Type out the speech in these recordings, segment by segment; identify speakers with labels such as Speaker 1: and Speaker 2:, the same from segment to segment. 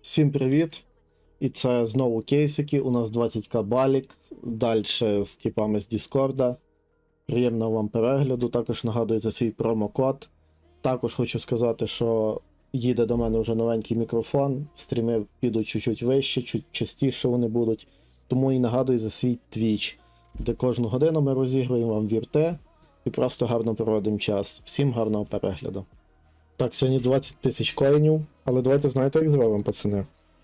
Speaker 1: Всім привіт! І це знову кейсики. У нас 20к балік. Далі з типами з Діскорда. Приємного вам перегляду. Також нагадую за свій промокод. Також хочу сказати, що їде до мене вже новенький мікрофон. Стріми підуть чуть-чуть вище, чуть частіше вони будуть. Тому і нагадую за свій Twitch, де кожну годину ми розігруємо вам вірте і просто гарно проводимо час. Всім гарного перегляду. Так, сьогодні 20 тисяч коїнів, але давайте знаєте, як зробимо, пацани.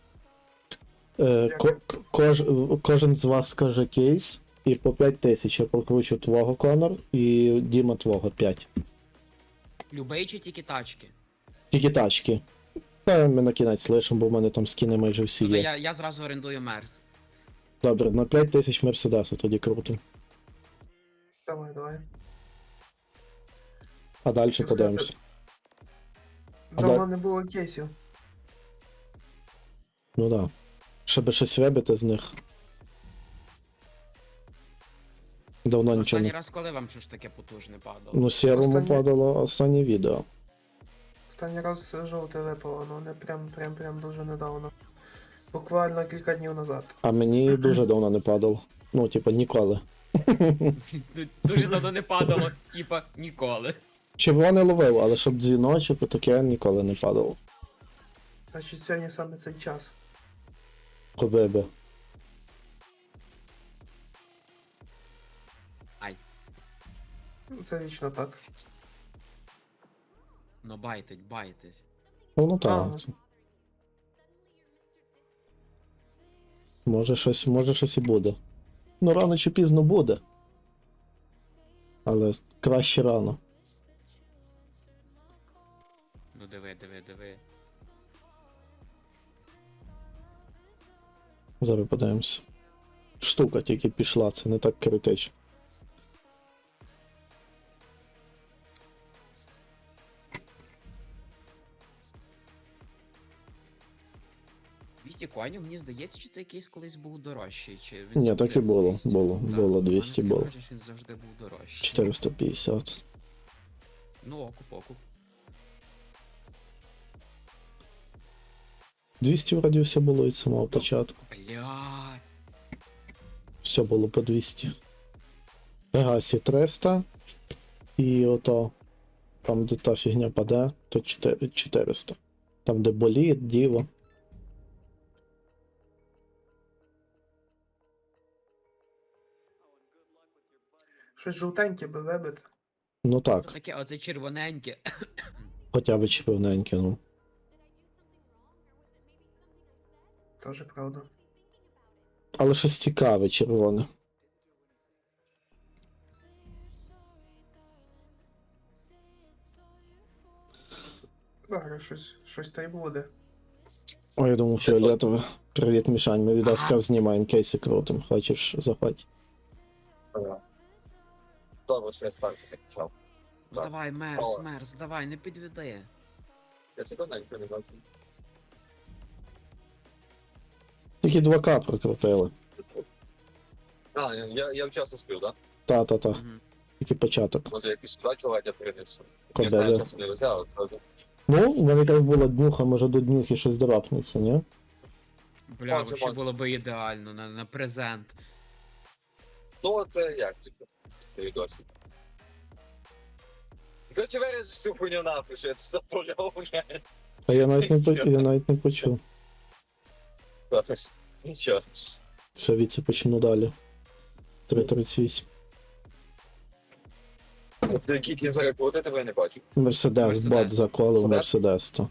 Speaker 1: Кожен з вас скаже кейс, і по 5 тисяч я прокручу твого, Конор, і Діма твого 5.
Speaker 2: Любий чи тільки тачки?
Speaker 1: Тільки тачки. Та ми на кінець лишимо, бо в мене там скини майже всі
Speaker 2: Тобто
Speaker 1: є.
Speaker 2: я зразу орендую Мерс.
Speaker 1: Добре, на 5 тисяч Мерседеса тоді крутимо.
Speaker 3: Давай.
Speaker 1: А далі
Speaker 3: Що
Speaker 1: подивимося.
Speaker 3: Давно не було кейсів.
Speaker 1: Ну да. Щоб щось вибити з них. Давно нічого
Speaker 2: Останній
Speaker 1: не...
Speaker 2: раз коли вам щось таке потужне падало?
Speaker 1: Ну, сірому
Speaker 3: Останнє-
Speaker 1: падало останнє відео.
Speaker 3: Останній раз жовте випало, але не прям дуже недавно. Буквально кілька днів назад.
Speaker 1: А мені дуже давно не падало. Ну, типа, ніколи.
Speaker 2: Дуже давно не падало, типа, ніколи.
Speaker 1: Червоне ловив, але щоб дзвіночок, то таке ніколи не падало.
Speaker 3: Значить, сьогодні саме цей час.
Speaker 1: Коби би.
Speaker 2: Ай,
Speaker 3: Це вічно так.
Speaker 2: ну байтить.
Speaker 1: Ну так.
Speaker 3: Ага.
Speaker 1: Може щось і буде. Ну, рано чи пізно буде. Але краще рано.
Speaker 2: Ну диви.
Speaker 1: Зараз подивимося. Штука тільки пішла, це не так критично.
Speaker 2: «200 коїнів, мені здається, чи цей кейс колись був дорожчий, чи він
Speaker 1: Ні,
Speaker 2: завжди
Speaker 1: так і
Speaker 2: був
Speaker 1: було.
Speaker 2: 200?
Speaker 1: Було.
Speaker 2: Да.
Speaker 1: Було
Speaker 2: У мене
Speaker 1: 200
Speaker 2: таке
Speaker 1: було.
Speaker 2: враження, що він завжди був дорожчий.
Speaker 1: 450.
Speaker 2: Ну, окуп.
Speaker 1: 200 вроді все було від самого початку.
Speaker 2: Блядь.
Speaker 1: Все було по 200. Пегасі 300. І ото. Там, де та фігня паде, то 400. Там, де боліт, діво.
Speaker 3: Щось жовтеньке би вибити.
Speaker 1: Ну
Speaker 2: Що
Speaker 1: так,
Speaker 2: таке, оце червоненьке.
Speaker 1: хоча б чіпивненьке, ну.
Speaker 3: Теж правда.
Speaker 1: Але щось цікаве, червоне.
Speaker 3: Зараз щось та й буде.
Speaker 1: Ой, я думав, фіолетове. Привіт, Мішань, ми від
Speaker 2: Ага.
Speaker 1: Аска знімаємо кейси крутим. Хочеш, заходь.
Speaker 4: Добре, що я ставлю таке почав.
Speaker 2: Ну
Speaker 4: Так.
Speaker 2: давай,
Speaker 4: О.
Speaker 2: Мерс, давай, не підведи.
Speaker 4: Я це давно ніколи не бачив.
Speaker 1: Тільки 2К прокрутили.
Speaker 4: А, я вчасно спів, так?
Speaker 1: Та.
Speaker 2: Мгм.
Speaker 1: Тільки початок.
Speaker 4: Може якийсь сюди чоловік я принесу.
Speaker 1: Куди
Speaker 4: Я знаю,
Speaker 1: ви?
Speaker 4: часу не везе, але одразу.
Speaker 1: Ну, у мене якраз була днюха, може до днюхи щось драпнеться, ні?
Speaker 2: Бля,
Speaker 4: Може,
Speaker 2: вообще було би ідеально на презент.
Speaker 4: Ну, це як це? Це відосі. Короче, виріж всю хуйню нафиг, що я це запоряв вже.
Speaker 1: А я навіть не почув.
Speaker 4: Нічого.
Speaker 1: Все, віці почну далі. 3.38.
Speaker 4: Це який кінь зараз крути, тебе я не бачу.
Speaker 1: Мерседес,
Speaker 2: Мерседес.
Speaker 1: бот заколив
Speaker 4: Мерседес?
Speaker 1: Мерседес то.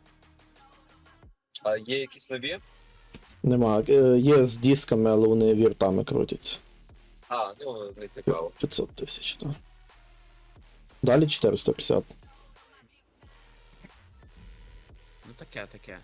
Speaker 4: А є якісь нові?
Speaker 1: Нема. Є з дисками, але вони віртами крутяться.
Speaker 4: А, ну, не цікаво.
Speaker 1: 500 тисяч, так. Далі 450.
Speaker 2: Ну таке.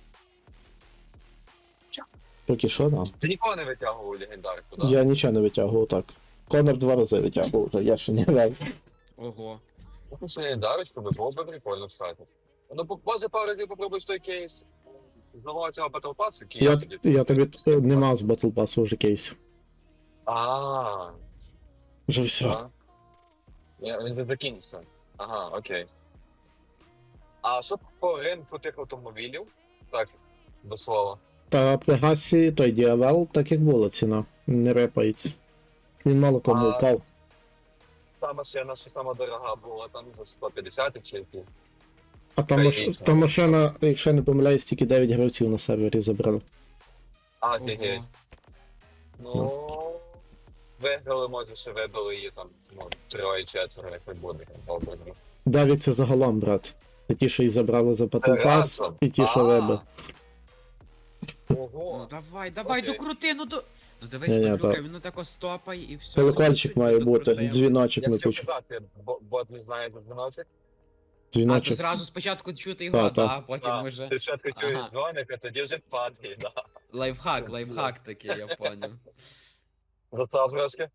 Speaker 1: Поки що, да.
Speaker 4: Ти нікого не витягував легендарку, так?
Speaker 1: Я нічого не витягував так. Конор 2 рази витягував вже, я ще не вел.
Speaker 2: Ого.
Speaker 4: Ну, що легендарочку, би було б прикольно встати. Ну, може пару разів попробуєш той кейс з нового цього Battle Pass, який
Speaker 1: Я тобі не мав з Battle Pass вже кейсів.
Speaker 4: А,
Speaker 1: Вже все.
Speaker 4: а. Він не закінчився. Ага, окей. А що по ринку тих автомобілів? Так, до слова.
Speaker 1: Та Пегасі, той Діавел, так як була ціна, не репається. Він мало кому
Speaker 4: А-
Speaker 1: впав.
Speaker 4: Та машина, що сама дорога була, там за 150 чи які.
Speaker 1: А та машина, якщо я не помиляюсь, тільки 9 гравців на сервері забрали.
Speaker 4: Офігеть.
Speaker 2: Ого.
Speaker 4: Ну, виграли, може, ще вибили її там, ну, 3-4, як не буде. Добре.
Speaker 1: 9 це загалом, брат. Це ті, що і забрали за Battle Pass,
Speaker 4: разом?
Speaker 1: і ті, що вибив.
Speaker 2: Ну
Speaker 4: Ого.
Speaker 2: давай,
Speaker 4: Окей.
Speaker 2: докрути, ну до. Ну дивись,
Speaker 1: Ні-ні,
Speaker 2: Павлюка,
Speaker 1: то-
Speaker 2: він тако стопай і все.
Speaker 1: Колокольчик має бути, дзвіночок
Speaker 4: Я
Speaker 1: ми
Speaker 4: хотів
Speaker 1: почув.
Speaker 4: казати, бот не знає за дзвіночок.
Speaker 2: А то
Speaker 1: Дзвіночок.
Speaker 2: зразу спочатку чути його,
Speaker 1: Та.
Speaker 2: а потім
Speaker 4: А,
Speaker 2: уже.
Speaker 4: ти спочатку чуєш
Speaker 2: Ага.
Speaker 4: дзвоник, а тоді вже падає, да.
Speaker 2: Лайфхак такий, я поняв.
Speaker 4: Застав трошки?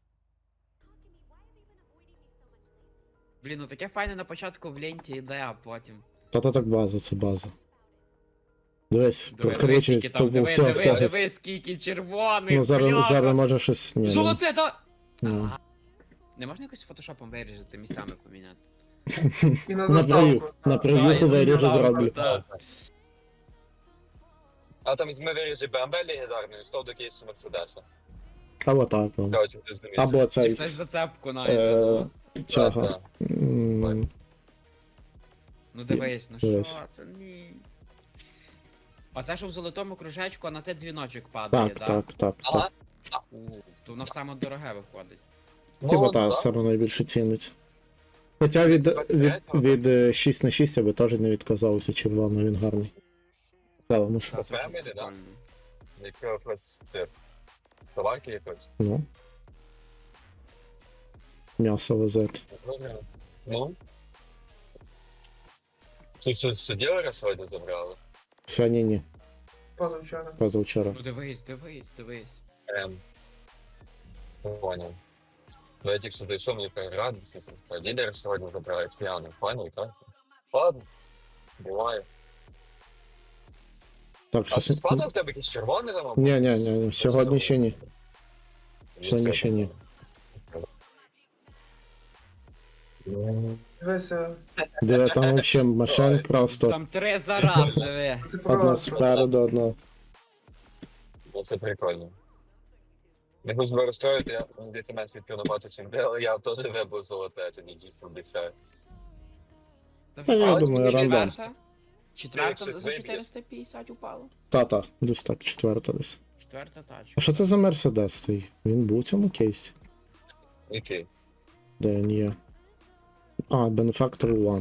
Speaker 2: Блін, ну таке файне на початку в ленті йде, а потім.
Speaker 1: Та так база, це база. Дивись,
Speaker 2: Диви,
Speaker 1: прокручують,
Speaker 2: скільки
Speaker 1: то
Speaker 2: там, диви,
Speaker 1: все,
Speaker 2: диви,
Speaker 1: все.
Speaker 2: диви, скільки червоних,
Speaker 1: Ну зараз
Speaker 2: бляха.
Speaker 1: може щось. Ні, ну,
Speaker 2: Золоте, да!
Speaker 1: ну.
Speaker 2: Не можна якось фотошопом виріжати, місцями поміняти?
Speaker 3: І на
Speaker 1: На прию,
Speaker 3: заставку.
Speaker 1: на
Speaker 2: Та,
Speaker 1: приюху
Speaker 2: я
Speaker 1: виріжу
Speaker 2: знав,
Speaker 1: зроблю.
Speaker 2: та.
Speaker 4: А там візьми виріжи BMW легендарною, став до кейсу Мерседеса.
Speaker 1: Або так. ну.
Speaker 4: Короче, ти зумієш.
Speaker 1: Або
Speaker 2: Чи
Speaker 1: цей.
Speaker 2: хтось зацепку знайде,
Speaker 1: Е,
Speaker 2: ну.
Speaker 1: Чого?
Speaker 2: Ну дивись, ну
Speaker 1: Дивись.
Speaker 2: що це, ні. Оце що в золотому кружечку, а на це дзвіночок падає,
Speaker 1: Так,
Speaker 2: да?
Speaker 1: так, так,
Speaker 4: Ага.
Speaker 1: так.
Speaker 2: То воно саме дороге виходить.
Speaker 1: Типа
Speaker 4: да.
Speaker 1: так, саме найбільше ціниться. Хоча від 6 на 6 я би теж не відказався, червоно, він гарний. Правильно що.
Speaker 4: Це Family, да?
Speaker 2: Прикольно.
Speaker 4: Якось це товарки якось.
Speaker 1: Ну. М'ясо везет.
Speaker 4: Ну. Що ділера сьогодні забрали?
Speaker 1: Сьогодні ні,
Speaker 3: Позавчора.
Speaker 1: позавчора.
Speaker 2: Ну дивись.
Speaker 4: Понял. Ну я тільки що дійшов, мені перерадився, що ділер сьогодні забрали п'яний. Понял, так? Ладно. Буває.
Speaker 1: Так,
Speaker 4: А
Speaker 1: щось.
Speaker 4: чи спадав в тебе якийсь червоний там?
Speaker 1: Ні, сьогодні ще ні. Сьогодні ще ні.
Speaker 3: Дивися,
Speaker 1: Диви, там взагалі машин просто
Speaker 2: Там 3 за раз, диви.
Speaker 3: це
Speaker 1: одна
Speaker 3: просто.
Speaker 1: спереду, одна.
Speaker 4: Це прикольно. Не хочу себе розстроїти, я десь менш відкрив набагато чим де, але я теж вибив золоте, тоді G70.
Speaker 1: Та я
Speaker 4: Але
Speaker 1: думаю,
Speaker 4: мені
Speaker 1: рандом.
Speaker 2: Четверта
Speaker 4: щось
Speaker 2: за
Speaker 4: виб'є.
Speaker 2: 450 упало.
Speaker 1: Та, десь так, четверта десь.
Speaker 2: Четверта тачка.
Speaker 1: А що це за Мерседес цей? Він був у цьому кейсі?
Speaker 4: Окей.
Speaker 1: Де він є? А, Benefactor One.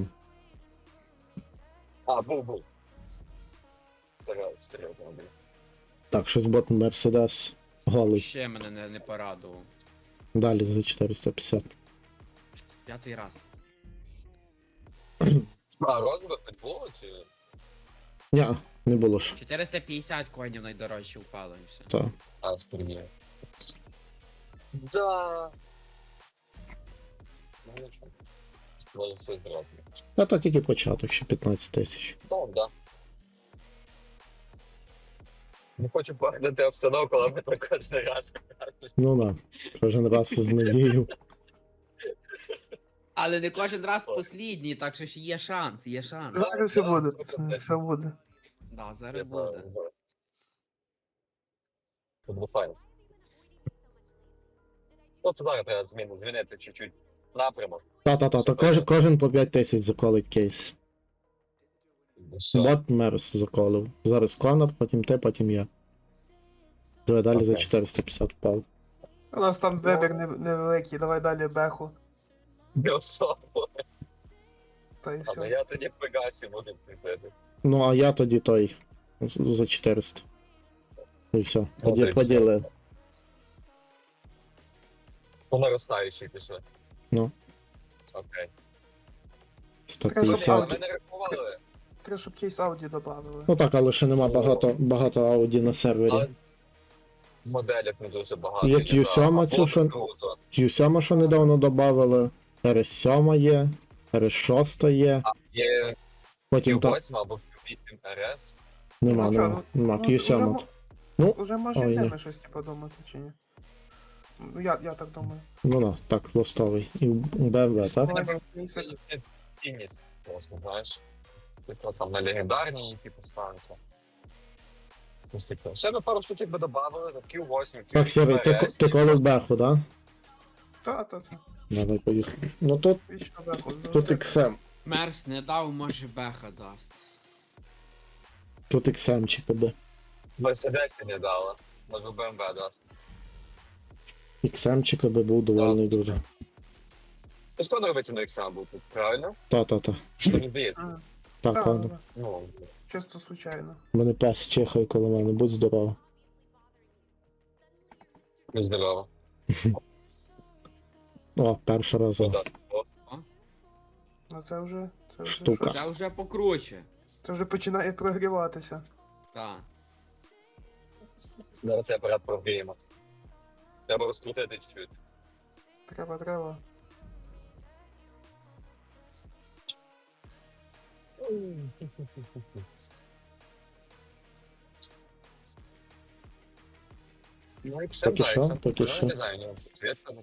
Speaker 4: А, був. Стріляв там.
Speaker 1: Так, щось бот Мерседес. Голий.
Speaker 2: Ще мене не порадував.
Speaker 1: Далі за 450.
Speaker 2: 5-й раз.
Speaker 4: А, розбив було чи?
Speaker 1: Ні, не було ж.
Speaker 2: 450 коїнів найдорожче упало і все.
Speaker 1: Та.
Speaker 4: А, стріляв. Да. Ну, нічого. Може все зробити.
Speaker 1: Та тільки початок, ще 15 тисяч.
Speaker 4: Так, да. Не хочу погнути обстановку, але ми так кожен раз.
Speaker 1: Ну да, кожен раз з надією.
Speaker 2: Але не кожен раз послідній, так що ж є шанс, є шанс.
Speaker 3: Зараз все буде, пацани, все буде.
Speaker 2: Да, зараз буде.
Speaker 4: Це було файно. От зараз треба змінити чуть-чуть напрямок.
Speaker 1: Та, кожен по 5 тисяч заколить кейс.
Speaker 4: Все.
Speaker 1: Бот Мерс заколив. Зараз Конор, потім ти, потім я. Давай далі за
Speaker 4: Окей.
Speaker 1: 450 впав.
Speaker 3: У нас там вибір невеликий, давай далі беху.
Speaker 4: Не особо.
Speaker 3: Та і
Speaker 4: Але
Speaker 3: все.
Speaker 4: я тоді в Пегасі буду прийти.
Speaker 1: Ну, а я тоді той за 400. І все. Тоді
Speaker 4: Окей,
Speaker 1: поділи.
Speaker 4: По наростаючій пішли.
Speaker 1: Ну.
Speaker 4: Окей.
Speaker 3: Треба,
Speaker 4: Але
Speaker 1: 150.
Speaker 4: ми не рахували.
Speaker 3: Треба, щоб кейс Ауді додали.
Speaker 1: Ну так, але ще нема багато ауді на сервері.
Speaker 4: Але моделів не дуже багато.
Speaker 1: Як
Speaker 4: є,
Speaker 1: Q7
Speaker 4: да.
Speaker 1: цю,
Speaker 4: Було
Speaker 1: що-
Speaker 4: б круто.
Speaker 1: Q7, що недавно додали, RS7 є, RS6 є,
Speaker 4: Є
Speaker 1: потім та...
Speaker 4: Q8 або Q8 RS.
Speaker 1: Нема,
Speaker 3: Ну, що,
Speaker 1: нема.
Speaker 3: ну,
Speaker 1: Q7. Ну,
Speaker 3: Уже можна
Speaker 1: ой,
Speaker 3: з
Speaker 1: ні.
Speaker 3: ними щось типу думати, чи ні? Ну, я так думаю.
Speaker 1: Ну да, так, лостовий. І BMW, так?
Speaker 3: Ладно, кейси.
Speaker 4: Це цінність, власне, знаєш. Типу там на легендарні, типу станки. Ще би пару штучок би додавали, Q8, Q8.
Speaker 1: Так, Сірий, ти колив беху, да?
Speaker 3: Та.
Speaker 1: Давай поїхали. Ну тут
Speaker 3: Вічно беху.
Speaker 1: Тут XM.
Speaker 2: Мерс не дав, може беха дасть.
Speaker 1: Тут XM буде.
Speaker 4: Мерседесі не дала. Може БМВ дасть.
Speaker 1: XM би був довольний дуже.
Speaker 4: Ти що не робити на Іксам був тут, правильно?
Speaker 1: Та.
Speaker 4: Що не здається?
Speaker 1: Так, ладно.
Speaker 4: Ну,
Speaker 3: Чисто случайно.
Speaker 1: У мене пес чихає коло мене, будь здоров.
Speaker 4: не здорово.
Speaker 1: О, перша разова.
Speaker 4: Куда? О,
Speaker 3: Ну це вже.
Speaker 1: Штука.
Speaker 2: Це вже покруче.
Speaker 3: Це вже починає прогріватися.
Speaker 2: Так.
Speaker 4: зараз цей апарат прогріємо. Треба розкрутити чуть-чуть.
Speaker 3: Треба.
Speaker 4: Ну, і
Speaker 1: Поки що, поки що.
Speaker 4: Не знаю, ні, світ там.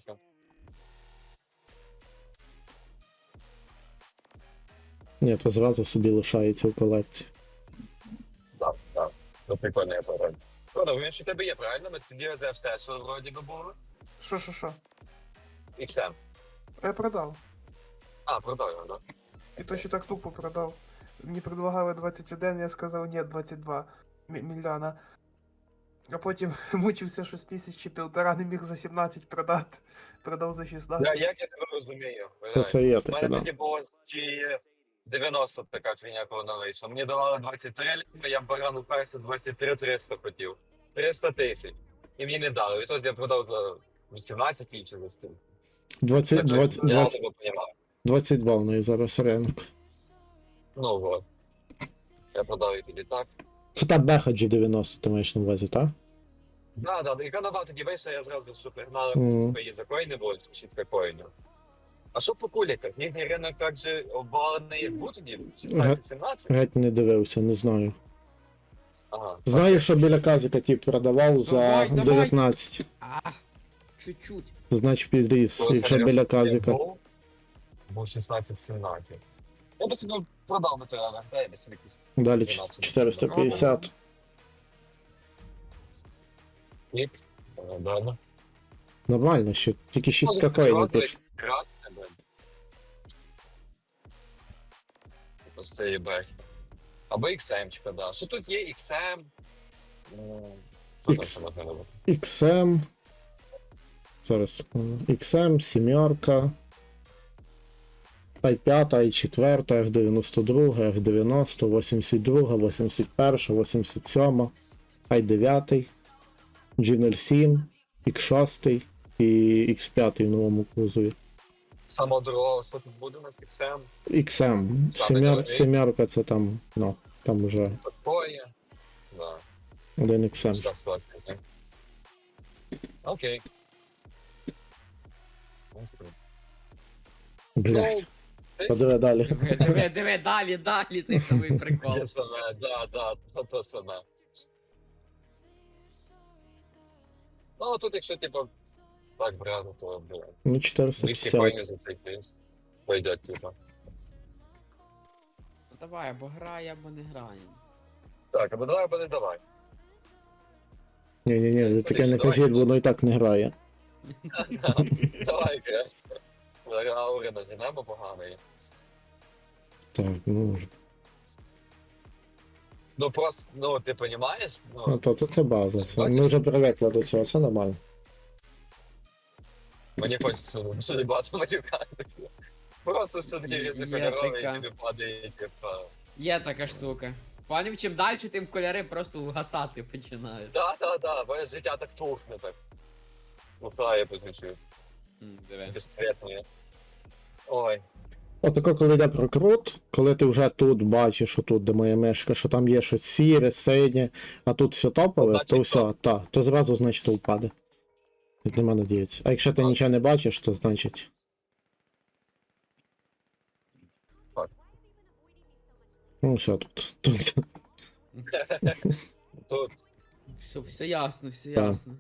Speaker 1: Ні, то зразу собі лишається в колекції.
Speaker 4: Так. Ну, прикольний апарат. Конор, він ще в тебе є, правильно? Ми тоді ЗФТ, що вроді би було?
Speaker 3: Що?
Speaker 4: XM.
Speaker 3: Я продав.
Speaker 4: А, продав його, да?
Speaker 3: І то ще так тупо продав. Мені предлагали 21, я сказав ні, 22 мільйона. А потім мучився щось місяць чи півтора, не міг за 17 продати. Продав за 16.
Speaker 4: Як я тебе розумію?
Speaker 1: Це є
Speaker 4: У
Speaker 1: таке,
Speaker 4: мене
Speaker 1: да.
Speaker 4: тоді було чи 90 така фігня, коли вона вийшла. Мені давали 23 літа, я баран уперся 23 300 хотів. 300 тисяч. І мені не дали. Відтоді я продав за 18 чи за стільки.
Speaker 1: 22 в неї зараз ринок.
Speaker 4: Ну вот. Я продав її тоді так.
Speaker 1: Це та беха G90, ти маєш на увазі, так?
Speaker 4: Да, і канава тоді вийшла, я зразу, що пригнали,
Speaker 1: Мгм.
Speaker 4: її за коїни було, чи за коїнів. А що по куліках? Їхній ринок так же обвалений, як був тоді? 16-17?
Speaker 1: Геть не дивився, не знаю.
Speaker 4: Ага.
Speaker 1: Знаю, що біля казика ті продавав за
Speaker 2: Давай.
Speaker 1: 19.
Speaker 2: Чуть-чуть.
Speaker 1: Це значить підріс,
Speaker 4: Коли
Speaker 1: якщо
Speaker 4: Саня
Speaker 1: біля казика.
Speaker 4: Був 16-17. Я би собі продав би тебе, дай би собі якийсь.
Speaker 1: Далі
Speaker 4: 12.
Speaker 1: 450.
Speaker 4: Кліп. Далі.
Speaker 1: Нормально, ще тільки 6 коїнів пише.
Speaker 4: Ось це є бек. Або XM-чка, да. Що тут є XM?
Speaker 1: X. XM. Зараз секунду. XM, 7, i5, i4, F92, F90, 82, 81, 87, i9, G07, X6 і X5 в новому кузові.
Speaker 4: Саме дорого, що тут буде у нас XM?
Speaker 1: XM. Сімерка це там, ну, там уже
Speaker 4: Такое. Да.
Speaker 1: один XM.
Speaker 4: Що ситуація з ним? Окей.
Speaker 1: Блять. Подиви далі.
Speaker 2: Диви, далі, цей самий прикол.
Speaker 4: Те саме, да, то саме. Ну, тут якщо, типу, так брати, то, блядь,
Speaker 1: Ну,
Speaker 4: 200
Speaker 1: 450.
Speaker 4: коїнів за цей кейс. Пойдет, типу.
Speaker 2: Ну, давай, або грає, або не граємо.
Speaker 4: Так, або давай, або не давай.
Speaker 1: Ні, ви таке не кажіть, бо воно і так не грає.
Speaker 4: Давай, краще. Зараз аури наженемо поганої.
Speaker 1: Так, ну,
Speaker 4: Ну, просто, ну, ти понімаєш?
Speaker 1: ну
Speaker 4: Ну,
Speaker 1: то це база. Ми вже привикли до цього, це нормально.
Speaker 4: мені хочеться дуже багато матюкатися. Просто все-таки
Speaker 2: Є
Speaker 4: різнокольорові,
Speaker 2: така.
Speaker 4: і тобі падає, типу.
Speaker 2: Є така штука. Панів, чим далі, тим кольори просто угасати починають.
Speaker 4: Да, моє життя так тухне, так. Тухає по чуть-чуть.
Speaker 2: Диви.
Speaker 4: Безцветне. Ой.
Speaker 1: Отако, коли йде прокрут, коли ти вже тут бачиш, що тут, де моя мишка, що там є щось сіре, синє, а тут все топове,
Speaker 4: Значить,
Speaker 1: то все,
Speaker 4: топ.
Speaker 1: то зразу, значить, то впаде. Нема надіється. А якщо ти
Speaker 4: Так.
Speaker 1: нічого не бачиш, то значить.
Speaker 4: Так.
Speaker 1: Ну, все тут. Тут.
Speaker 4: Тут.
Speaker 2: Все ясно, все
Speaker 1: Так.
Speaker 2: ясно.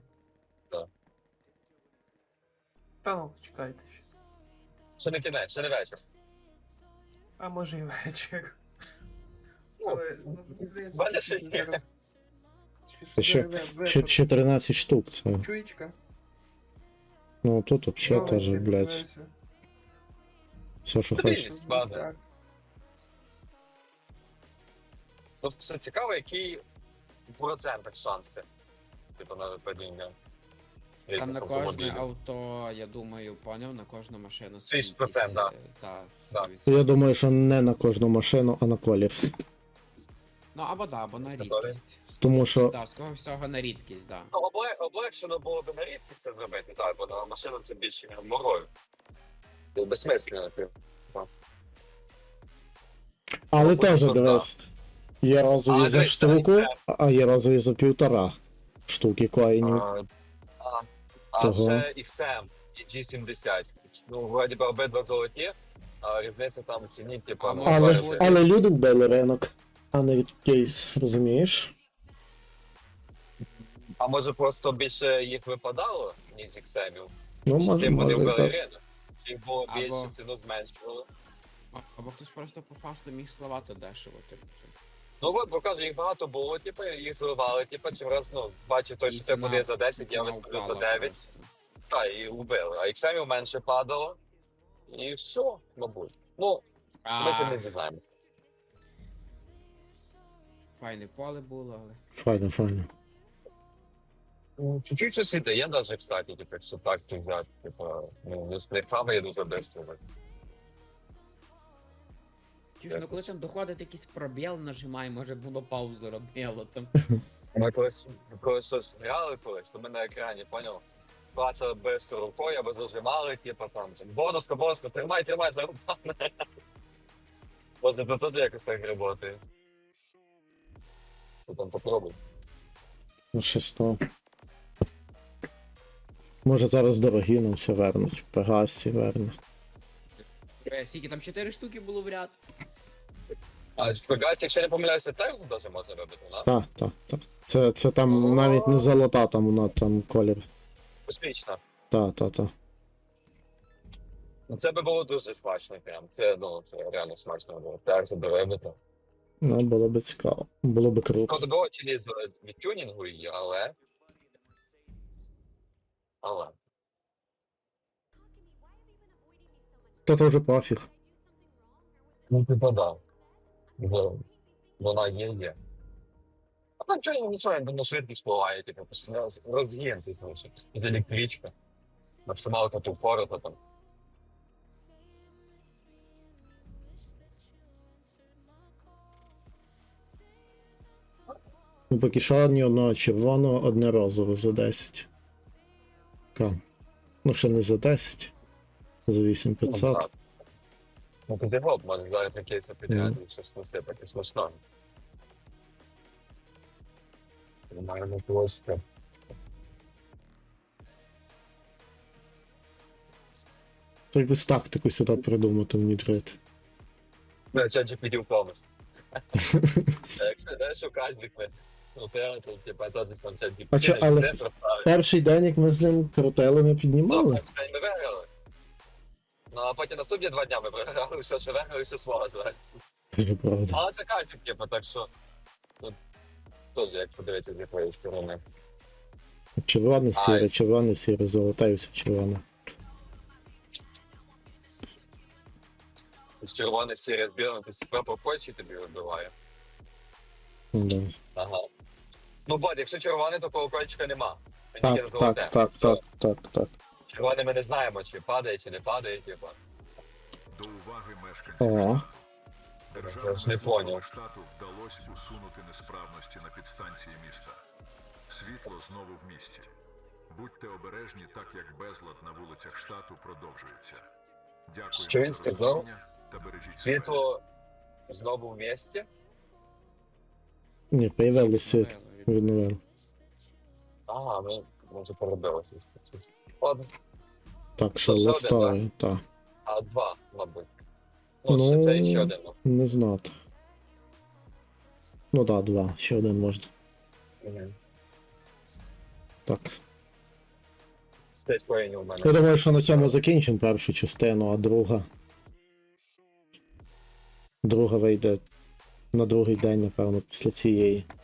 Speaker 3: Та ну, чекайте ще.
Speaker 4: Ще не кінець, ще не вечір.
Speaker 3: А може і вечір.
Speaker 4: Ну,
Speaker 3: Але ну, мені здається,
Speaker 4: мене
Speaker 3: що
Speaker 4: ще є.
Speaker 3: зараз.
Speaker 1: Ще 13 штук це.
Speaker 3: Чуєчка?
Speaker 1: Ну тут вообще
Speaker 3: Ну,
Speaker 1: теж,
Speaker 3: не
Speaker 1: блядь,
Speaker 3: подобається.
Speaker 1: все, що
Speaker 4: Стабільність.
Speaker 1: хочеш.
Speaker 4: Ладно.
Speaker 3: Так.
Speaker 4: Просто цікаво, який в процентах шанси. Типу на падіння.
Speaker 2: Там
Speaker 4: різних
Speaker 2: на кожне
Speaker 4: автомобілів.
Speaker 2: авто, я думаю, поняв, на кожну машину.
Speaker 4: 30%, да.
Speaker 2: Так,
Speaker 4: Да.
Speaker 1: Я думаю, що не на кожну машину, а на колір.
Speaker 2: Ну або да, або на
Speaker 4: Це добре.
Speaker 2: рідкість.
Speaker 1: Тому що-
Speaker 2: Так, ского всього на рідкість, да.
Speaker 4: Ну, облегшено було б на рідкість це зробити, так, бо на машину це більше морою. Це безсмислено, типу.
Speaker 1: Але
Speaker 4: Ну,
Speaker 1: теж,
Speaker 4: що,
Speaker 1: дивись, є розові
Speaker 4: А,
Speaker 1: за
Speaker 4: дивись,
Speaker 1: штуку,
Speaker 4: це-
Speaker 1: а є розові за 1,5 штуки коїнів.
Speaker 4: А
Speaker 1: Того.
Speaker 4: ще XM і G70. Ну, вроді би обидва золоті, а різниця там в ціні, типу,
Speaker 2: А
Speaker 4: ну,
Speaker 2: може
Speaker 1: Але,
Speaker 2: бути-
Speaker 1: але люди вбили ринок, а не кейс, розумієш?
Speaker 4: А може просто більше їх випадало, ніж XM-ів?
Speaker 1: Ну, може,
Speaker 4: Тим вони
Speaker 1: може,
Speaker 4: вбили
Speaker 1: так.
Speaker 4: ринок. Їх було
Speaker 2: Або-
Speaker 4: більше, ціну зменшували.
Speaker 2: Або хтось просто по фасту міг сливати дешево, типу.
Speaker 4: Ну от, бо кажу, їх багато було, типу, їх зливали, типу, чим раз, ну, бачив той,
Speaker 2: І
Speaker 4: що це
Speaker 2: ціна-
Speaker 4: буде за 10, я
Speaker 2: ціна
Speaker 4: виставлю за
Speaker 2: впала
Speaker 4: 9,
Speaker 2: просто.
Speaker 4: та, і вбили. А XM менше падало, і все, мабуть. Ну, ми це не дізнаємося.
Speaker 2: Файне поле було, але.
Speaker 1: Файно, файно.
Speaker 4: Чуть-чуть щось іде, є навіть, кстати, типу, якщо так то взяти, типу, ну, не фаби, я дуже бистро.
Speaker 2: Чуєш, ну коли там доходить якийсь пробіл, нажимай, може було паузу робило там.
Speaker 4: Ми коли щось грали колись, то ми на екрані, поняв? Клацали бистро рукою, або зажимали, типу, там, бонуска, тримай, зарубане. Може, то тут якось так працює. Ти там попробуй.
Speaker 1: Ну, щось то. Може зараз дорогі нам все вернуть. Пегасі верне.
Speaker 2: Скільки там 4 штуки було в ряд.
Speaker 4: А в Пегасі, якщо я не помиляюся, теж навіть можна робити, да?
Speaker 1: Так. Це там навіть не золота, там вона там колір.
Speaker 4: Космічна.
Speaker 1: Так.
Speaker 4: Це би було дуже смачно прям. Це, ну, це реально смачно було. Так, це робити.
Speaker 1: Ну, було би цікаво. Було би круто.
Speaker 4: Шкода було чи з від тюнінгу її, але.
Speaker 1: То теж пофіг.
Speaker 4: Ну, типа, да. Вона є. А там чого не знаю, воно швидко спливає, типу, розгін, типу, що з електричка. Максималка ту впората там.
Speaker 1: Ну, поки що ні одного червоного, одне розове за 10. Ка. Ну, ще не за 10. За 8500.
Speaker 4: Ну, тоді гоп, може зараз на кейси підняти і щось насипати смачно. Нормально просто.
Speaker 1: То якусь тактику сюди придумати, внідрити.
Speaker 4: Ну, чат GPT впомиш. Якщо не шукати вікне, ну, те, то, типа, теж там чат GPT.
Speaker 1: А чо, але- Перший день, як ми з ним крутили, ми піднімали.
Speaker 4: Ми виграли. Ну, а потім наступні 2 дня ми програли все, що виграли, все свого звати.
Speaker 1: Дуже правда.
Speaker 4: Але це казик, типу, так що. Ну, теж як подивитися з якоїсь сторони.
Speaker 1: Червоне, сіре, золоте і все червоне.
Speaker 4: З червоний сірий з білим, ти себе по почі тобі вибиває.
Speaker 1: Да.
Speaker 4: Ага. Ну, бо, якщо червоний, то колокольчика нема. Він тільки на золоте.
Speaker 1: Так.
Speaker 4: Червоний ми не знаємо, чи падає, чи не падає, типу.
Speaker 5: До уваги мешканців.
Speaker 1: О,
Speaker 4: Я ж не поняв.
Speaker 5: штату вдалося усунути несправності на підстанції міста. Світло знову в місті. Будьте обережні, так як безлад на вулицях штату продовжується. Дякую
Speaker 4: Що він
Speaker 5: за
Speaker 4: сказав?
Speaker 5: розуміння та бережіть себе.
Speaker 4: Світло знову в місті.
Speaker 1: ні, появили світ. Відновили.
Speaker 4: Ага, ну, може поробилося. Ладно.
Speaker 1: Так, що
Speaker 4: То ще один,
Speaker 1: листовий, так.
Speaker 4: А 2, мабуть. Ну,
Speaker 1: Ну,
Speaker 4: ще це ще один. Ну.
Speaker 1: Не знати. Ну так, 2, ще один можна.
Speaker 4: Мгм.
Speaker 1: Так.
Speaker 4: 5 коїнів у мене.
Speaker 1: Я думаю, що на цьому закінчимо першу частину, а друга. Друга вийде на другий день, напевно, після цієї.